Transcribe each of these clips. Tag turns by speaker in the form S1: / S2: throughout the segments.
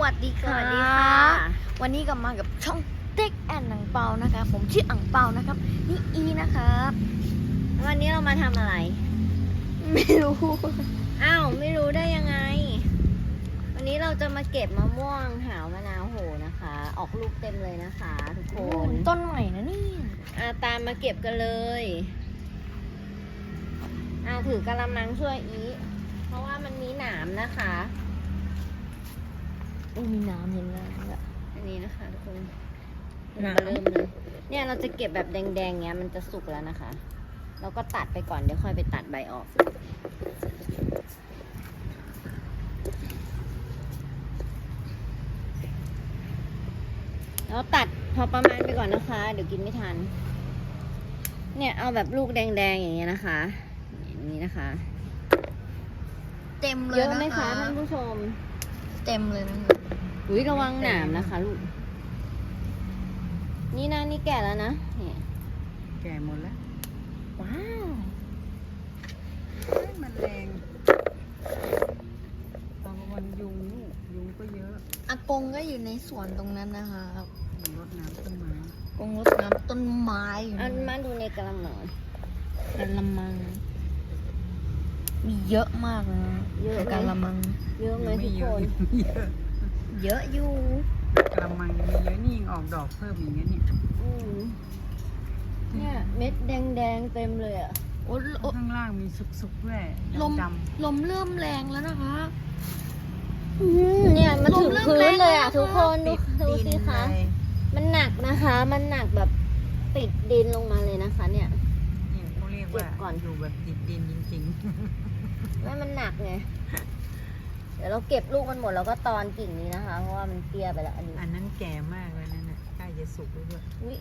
S1: วัสดีค่ะ วันนี้ก็มากับช่องเต็กแอนหนังเปานะคะผมชื่ออังเปานะครับนี่อีนะครับ
S2: วันนี้เรามาทำอะไร
S1: ไม่รู้
S2: อ้าวไม่รู้ได้ยังไง วันนี้เราจะมาเก็บมะม่วงหาวมะนาวโหนะคะ ออกลูกเต็มเลยนะคะทุกคน
S1: ต้นใหม่นะนี่
S2: ตามมาเก็บกันเลยถือกะละมังช่วยอีเพราะว่ามันมีหนามนะคะ
S1: มีน้ำเห็นแล้ว
S2: อันนี้นะคะทุกคน
S1: หนาม
S2: เริ่มเลยเนี่ยเราจะเก็บแบบแดงๆเงี้ยมันจะสุกแล้วนะคะ เราก็ตัดไปก่อนเดี๋ยวค่อยไปตัดใบออก แล้วตัดพอประมาณไปก่อนนะคะ เดี๋ยวกินไม่ทัน เนี่ยเอาแบบลูกแดงๆอย่างเงี้ยนะคะอย่างนี้นะคะ
S1: เต็มเลย
S2: เยอะไหม
S1: น
S2: คะท่านผู้ชม
S1: เต็มเลยนะคะ
S2: อุ้ยระวังหนามนะคะลูกนี่นะนี่แก่แล้วนะเนี่ย
S3: แก่หมดแล้ว
S1: ว้าว
S3: มันแรงตอนวันยุงก็เยอะ
S1: อากงก็อยู่ในสวนตรงนั้นนะคะ
S3: รดน้ำต้นไม้
S1: กงรดน้ำต้นไม้อยู่
S2: เอา
S1: นะ
S2: มาดูในกระมัง
S1: กะละมังมีเยอะมากเลยนะ
S2: เยอะไหม
S1: กะละมัง
S2: เยอะไหม
S3: ไม่
S2: ทุก
S3: เย
S2: ค
S3: อะ
S2: น
S3: เยอะ
S1: เยอะอยู่
S3: กระมังยังไม่เยอะนี่ยังออกดอกเพิ่มอีกนะเนี่ย
S2: เนี่ยเม็ดแดงๆเต็มเลยอ่ะ
S1: โอ้โอ้
S3: ข้างล่างมีสุกๆด้วย
S1: ลม
S3: ดำ
S1: ลมเริ่มแรงแล้วนะคะ
S2: เนี่ยมาถึง
S1: ลมเริ่ม
S2: พื้นเลยอ่ะ
S1: แรงแล้ว
S2: ทุกคน
S3: ๆ
S2: ดู
S3: ติด
S2: ดู
S3: ดิน
S2: สิคะ
S3: เลย
S2: มันหนักนะคะ มันหนักแบบติดดินลงมาเลยนะคะ เนี่ย
S3: เนี่ยเขาเรียกว่า
S2: เก็บก่อน
S3: อยู่แบบติดดินจริง
S2: ไม่มันหนักไง เดี๋ยวเราเก็บลูกมันหมดแล้วก็ตอนกิ่งนี้นะคะ เพราะว่ามันเตี้ยไปแล้วอันนี้
S3: ๆ อันนั้นแก่มากเลยนั่นน่ะใกล้จะสุกแล้วด้วย
S2: อุ๊ย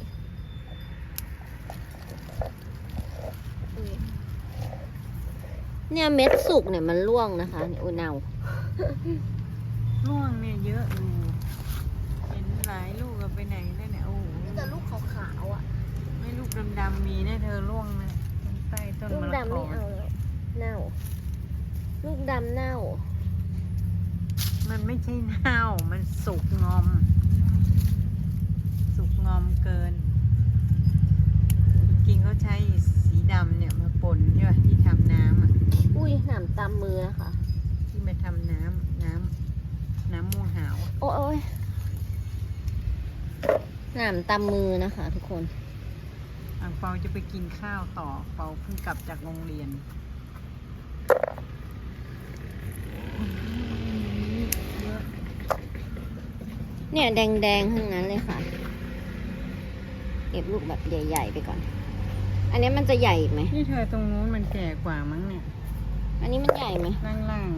S2: เนี่ยเม็ดสุกเนี่ยมันร่วงนะคะเนี่ยโอ้เน่า
S3: ร่วงเนี่ยเยอะอยู่เห็นหลายลูกเอาไปไหนแล้วเนี่ยโอ้โห
S1: นี่แต่ลูกขาวๆอ่ะ
S3: ไม่ลูกดำๆมีนะเธอร่วงนะใต้ต้น
S2: ลูก
S3: มะละ
S2: ดำ
S3: ก
S2: ไม่
S3: อ
S2: เอาแล้วเน่า ลูกดำเน่า
S3: มันไม่ใช่เน่ามันสุกงอม สุกงอมเกิน จริงๆเขาใช้สีดำเนี่ยมาป่นใช่ป่ะที่ทำน้ำอ่ะ
S2: อุ้ยหนามตามมือนะคะ
S3: ที่มาทำน้ำม่วงหาวอะ
S2: โอ้ยหนามตามมือนะคะ ทุกคน
S3: อ่างเปาจะไปกินข้าวต่อเปาเพิ่งกลับจากโรงเรียน
S2: เนี่ยแดงๆทั้งนั้นเลยค่ะ เก็บลูกแบบใหญ่ๆไปก่อน อันนี้มันจะใหญ่อีกไหม
S3: นี่เธอตรงนู้นมันแก่กว่ามั้งเนี่ย
S2: อันนี้มันใหญ่ไหม
S3: ล่าง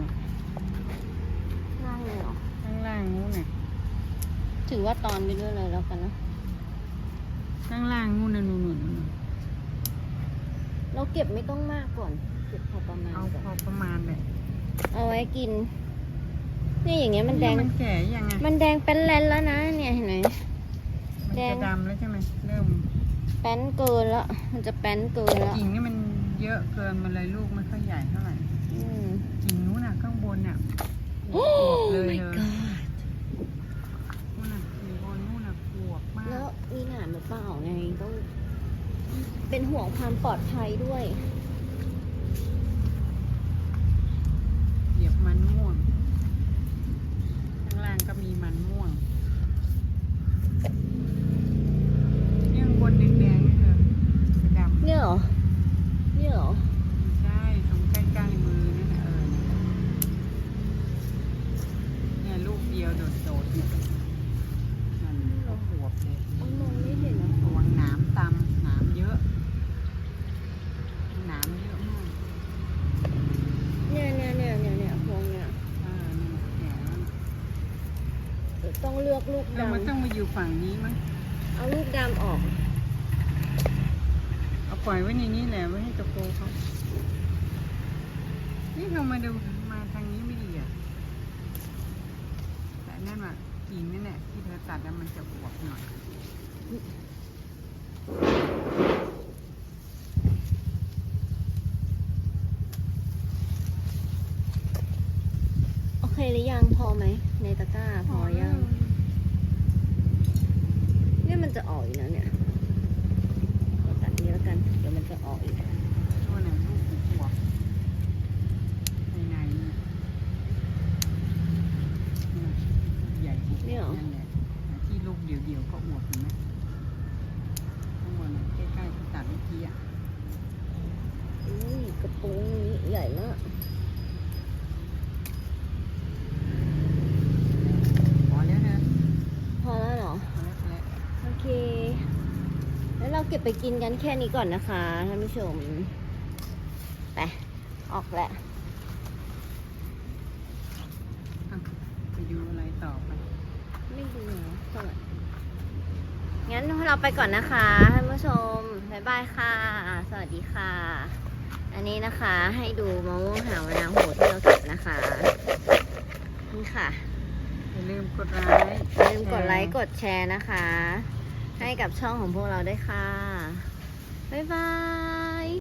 S2: น่าเลยเหรอ
S3: ล่างนู้นน่ะ
S2: ถือว่าตอนไปด้วยเลยแล้วกันนะ
S3: ล่างนู้นน่ะนู่น
S2: เราเก็บไม่ต้องมากก่อน เก็บพอประมาณ
S3: เอา
S2: ก่อน
S3: พอประมาณเลย
S2: เอาไว้กิน นี่อย่างเงี้ยมันแดง
S3: มันแก่ยังไง
S2: มันแดงเป็นแลนแล้วนะ เนี่ยเห็นไหม
S3: มัน
S2: แด
S3: จะ
S2: ง
S3: ดำแล้วใช่ไหมเริ่ม
S2: แป้นเกินแล้ว มันจะแป้นเกินแล้ว
S3: กิ่งนี่มันเยอะเกินมันเลยลูกไม่ค่อยใหญ่เท่าไหร่
S2: อืม
S3: กิ่งนู้นน่ะข้างบนน่ะ
S2: โอ้
S3: เลย
S2: my
S3: เลย
S2: god
S3: นู่นน่ะกิ่งบนนู่นน่ะปวกมาก
S2: แล้วมีหนามหรือเปล่าไงต้องเป็นห่วงความปลอดภัยด้วย
S3: เหยียบมันม่วง ข้างล่างก็มีมันม่วงนี่ข้างบนแดงๆนี่เธอจะดำ
S2: เนี่ยเหรอ เนี่ยเหรอ
S3: ใช่ตรงใกล้ๆมือนั่นน่ะเนี่ยลูกเดียวโดดๆเนี่ยมันก็บวบเลย
S2: มองไม่เห็นนะ
S3: ระวังหนามตำหนามเยอะหนามเยอะมาก
S2: เนี่ยพวงเนี่ย
S3: เนี่ย
S2: ต้องเลือกลูก
S3: แล้วมันต้อ
S2: ดำ
S3: งมาอยู่ฝั่งนี้มั้ง
S2: เอาลูกดำออก
S3: เอาปล่อยไว้ในนี้แหละไว้ให้ตะโกเขานี่เรามาดูมาทางนี้ไม่ดีอ่ะแต่นั่นว่ะกิ่งนั่นแหละที่เธอตัดแล้วมันจะอวบหน่อย
S2: โอเคหรือยังพอไหมในตะกร้าพอยังจะออกอีกแล้วเนี่ยเราตัดนี้แล้วกันเดี๋ยวมันจะออกอีก
S3: ตัวไหนลูกหัวในในใหญ่บุกนั่นแหละที่ลูกเดี่ยวๆก็อวบเห็นไหมข้างบนใกล้ๆตัดเมื่อกี้อ่ะ
S2: อุ้ยกระโปรงนี้ใหญ่มาก
S3: พอแล้วนะ
S2: พอแล้วเหรอ
S3: พอแล้ว
S2: โอเค แล้วเราเก็บไปกินกันแค่นี้ก่อนนะคะท่านผู้ชม ไป ออกแล้ว
S3: ไปดูอะไรต่อไป
S2: ไม่ดูเหรอสวัสดีงั้นเราไปก่อนนะคะท่านผู้ชม บ๊ายบายค่ะ สวัสดีค่ะ อันนี้นะคะให้ดูมะม่วงหาวมะนาวโหที่เราเก็บนะคะ นี่ค่ะ
S3: อย่าลืมกดไลค์
S2: อย่าลืมกดไลค์กดแชร์นะคะ ให้กับช่องของพวกเราด้วยค่ะ บ๊ายบาย